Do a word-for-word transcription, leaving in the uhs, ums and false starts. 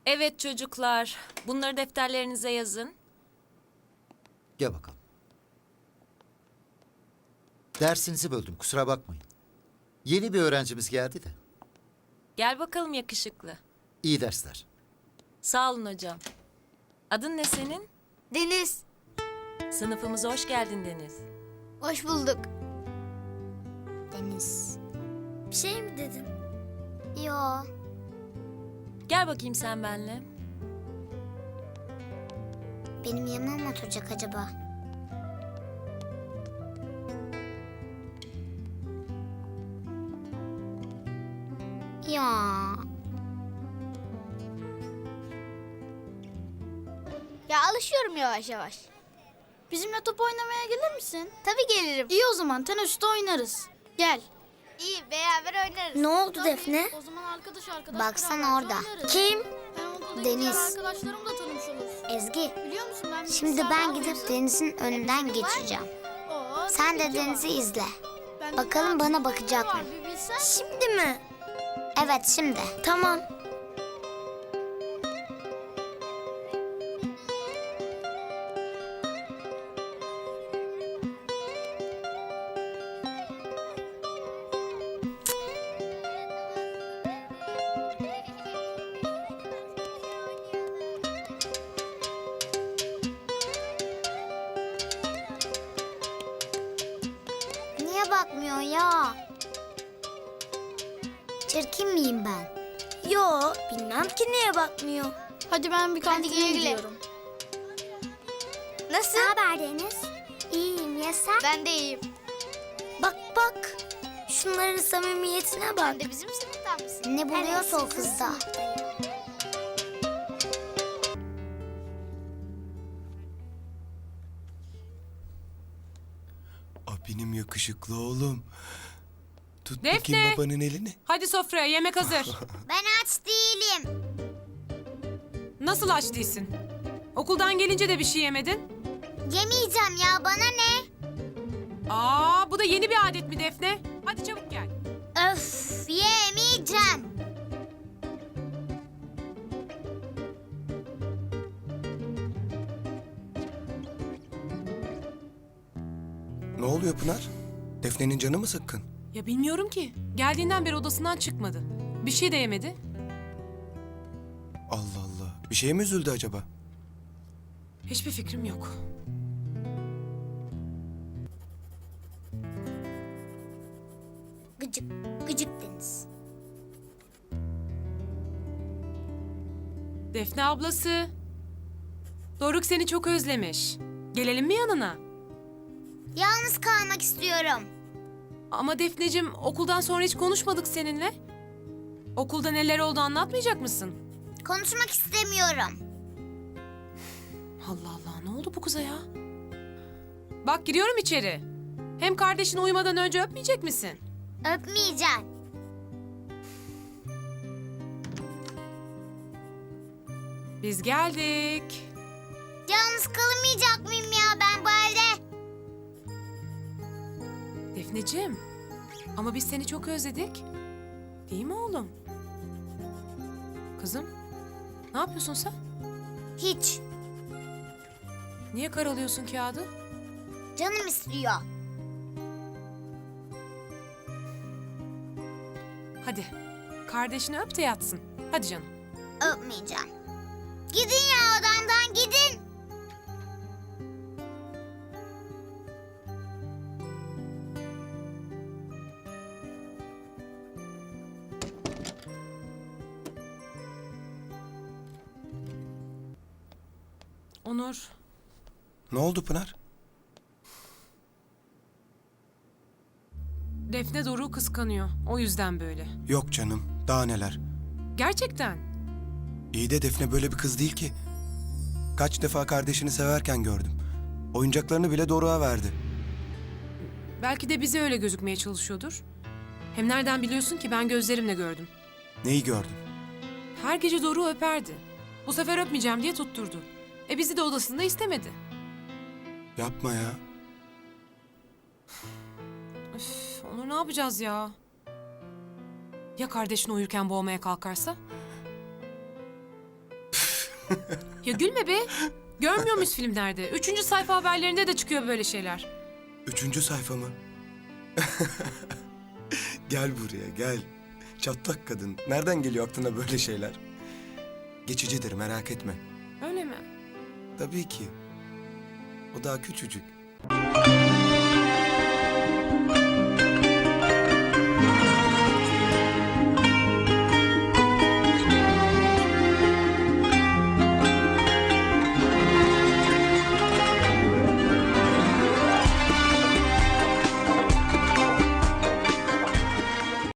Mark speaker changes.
Speaker 1: Evet çocuklar, bunları defterlerinize yazın.
Speaker 2: Gel bakalım. Dersinizi böldüm, kusura bakmayın. Yeni bir öğrencimiz geldi de.
Speaker 1: Gel bakalım yakışıklı.
Speaker 2: İyi dersler.
Speaker 1: Sağ olun hocam. Adın ne senin?
Speaker 3: Deniz,
Speaker 1: Sınıfımıza hoş geldin Deniz.
Speaker 3: hoş bulduk. Deniz, bir şey mi dedin? Yo.
Speaker 1: Gel bakayım sen benimle.
Speaker 3: Benim yanıma mı oturacak acaba? Ya.
Speaker 4: Ya alışıyorum yavaş yavaş. Bizimle top oynamaya gelir misin?
Speaker 3: Tabii gelirim.
Speaker 4: İyi o zaman teneffüste oynarız. Gel. İyi beraber oynarız.
Speaker 3: Ne oldu
Speaker 4: Tabii,
Speaker 3: Defne?
Speaker 4: O zaman arkadaş arkadaş
Speaker 3: Baksana
Speaker 4: beraberce
Speaker 3: orada.
Speaker 4: oynarız.
Speaker 3: Kim?
Speaker 4: Hem okuldaki
Speaker 3: Deniz.
Speaker 4: diğer arkadaşlarımla tanımış oluruz.
Speaker 3: Ezgi.
Speaker 4: Biliyor musun ben
Speaker 3: Şimdi
Speaker 4: bilgisayarda
Speaker 3: ben
Speaker 4: almışım.
Speaker 3: gidip Deniz'in önünden geçeceğim.
Speaker 4: Oo,
Speaker 3: Sen
Speaker 4: tabii
Speaker 3: de
Speaker 4: ki var.
Speaker 3: Deniz'i izle.
Speaker 4: Ben
Speaker 3: Bakalım
Speaker 4: de
Speaker 3: bana
Speaker 4: ne
Speaker 3: bakacak
Speaker 4: var
Speaker 3: mı?
Speaker 4: bir bilsen.
Speaker 3: Şimdi mi? Evet şimdi. Tamam. Niye bakmıyor ya? Çirkin miyim ben? Yo, bilmem ki niye bakmıyor.
Speaker 4: Hadi ben bir kantine
Speaker 3: güle güle.
Speaker 4: gidiyorum.
Speaker 3: Nasıl? Ne haber Deniz? İyiyim ya sen?
Speaker 4: Ben de iyiyim.
Speaker 3: Bak bak. Şunların samimiyetine bak.
Speaker 4: Sen de bizim sınıftan mısın?
Speaker 3: Ne buluyorsa o kızda.
Speaker 5: Aa, benim yakışıklı oğlum. Tut
Speaker 6: Defne!
Speaker 5: bakayım babanın elini.
Speaker 6: Hadi sofraya yemek hazır.
Speaker 3: Ben aç değilim.
Speaker 6: Nasıl aç değilsin? Okuldan gelince de bir şey yemedin.
Speaker 3: Yemeyeceğim ya, bana ne?
Speaker 6: Aa, bu da yeni bir adet mi Defne? Hadi çabuk gel.
Speaker 3: Öf, yemeyeceğim.
Speaker 5: Ne oluyor Pınar? Defne'nin canı mı sıkkın?
Speaker 6: Ya bilmiyorum ki. Geldiğinden beri odasından çıkmadı. Bir şey de yemedi.
Speaker 5: Allah Allah. Bir şeye mi üzüldü acaba?
Speaker 6: Hiçbir fikrim yok.
Speaker 3: Gıcık, gıcık Deniz.
Speaker 6: Defne ablası. Doruk seni çok özlemiş. Gelelim mi yanına?
Speaker 3: Yalnız kalmak istiyorum.
Speaker 6: Ama Defneciğim okuldan sonra hiç konuşmadık seninle. Okulda neler oldu anlatmayacak mısın?
Speaker 3: Konuşmak istemiyorum.
Speaker 6: Allah Allah ne oldu bu kıza ya? Bak giriyorum içeri. Hem kardeşin uyumadan önce öpmeyecek misin?
Speaker 3: Öpmeyeceğim.
Speaker 6: Biz geldik.
Speaker 3: Yalnız kalamayacak mıyım ya ben bu evde?
Speaker 6: Defneciğim. Ama biz seni çok özledik. Değil mi oğlum? Kızım. Ne yapıyorsun sen?
Speaker 3: Hiç.
Speaker 6: Niye karalıyorsun kağıdı?
Speaker 3: Canım istiyor.
Speaker 6: Hadi. Kardeşini öp de yatsın. Hadi canım.
Speaker 3: Öpmeyeceğim. Gidin ya odamdan gidin.
Speaker 6: Onur.
Speaker 5: Ne oldu Pınar?
Speaker 6: Defne Doruk'u kıskanıyor. O yüzden böyle.
Speaker 5: Yok canım. Daha neler.
Speaker 6: Gerçekten.
Speaker 5: İyi de Defne böyle bir kız değil ki. Kaç defa kardeşini severken gördüm. Oyuncaklarını bile Doruk'a verdi.
Speaker 6: Belki de bize öyle gözükmeye çalışıyordur. Hem nereden biliyorsun ki ben gözlerimle gördüm.
Speaker 5: Neyi gördün?
Speaker 6: Her gece Doruk'u öperdi. Bu sefer öpmeyeceğim diye tutturdu. E bizi de odasında istemedi.
Speaker 5: Yapma ya.
Speaker 6: Üf, Onur ne yapacağız ya? Ya kardeşini uyurken boğmaya kalkarsa? Ya gülme be. Görmüyor muyuz filmlerde? Üçüncü sayfa haberlerinde de çıkıyor böyle şeyler.
Speaker 5: Üçüncü sayfa mı? Gel buraya gel. Çatlak kadın. Nereden geliyor aklına böyle şeyler? Geçicidir, merak etme.
Speaker 6: Öyle mi?
Speaker 5: Tabii ki. O daha küçücük.